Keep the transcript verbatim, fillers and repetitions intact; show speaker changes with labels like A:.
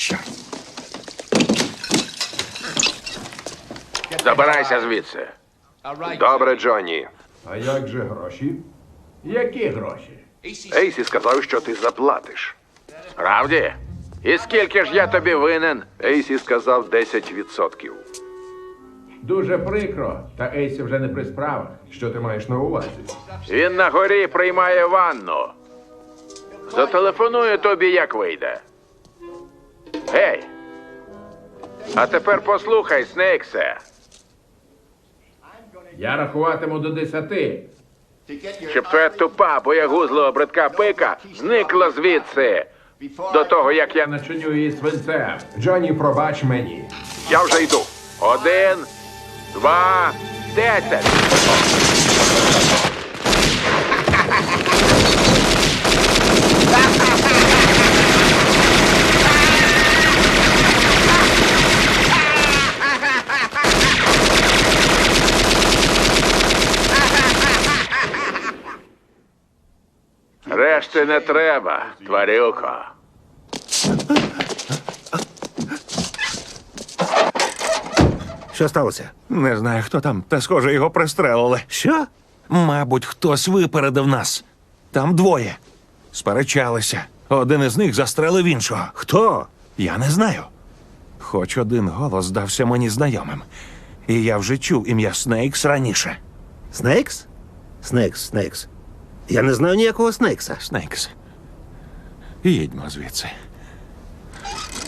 A: Що?
B: Забирайся звідси.
C: Добре, Джонні.
D: А як же гроші? Які гроші?
C: Ейсі сказав, що ти заплатиш.
B: Справді? І скільки ж я тобі винен?
C: Ейсі сказав десять відсотків.
D: Дуже прикро, та Ейсі вже не при справах.
C: Що ти маєш на увазі?
B: Він на горі приймає ванну. Зателефоную тобі, як вийде. Гей! А тепер послухай, Снейксе.
D: Я рахуватиму до десяти.
B: Щоб твоя тупа, боягузлива бридка пика зникла звідси. До того, як я...
D: Начиню її свинцем.
C: Джонні, пробач мені.
B: Я вже йду. Один, два, десять. Решти не треба, тварюко.
A: Що сталося?
E: Не знаю, хто там, та схоже, його пристрелили.
A: Що?
E: Мабуть, хтось випередив нас. Там двоє. Сперечалися. Один із них застрелив іншого.
A: Хто?
E: Я не знаю. Хоч один голос здався мені знайомим. І я вже чув ім'я Снейкс раніше.
A: Снейкс? Снейкс, Снейкс. Я не знаю ніякого Снейкса.
E: Снейкс. Їдьмо звідси.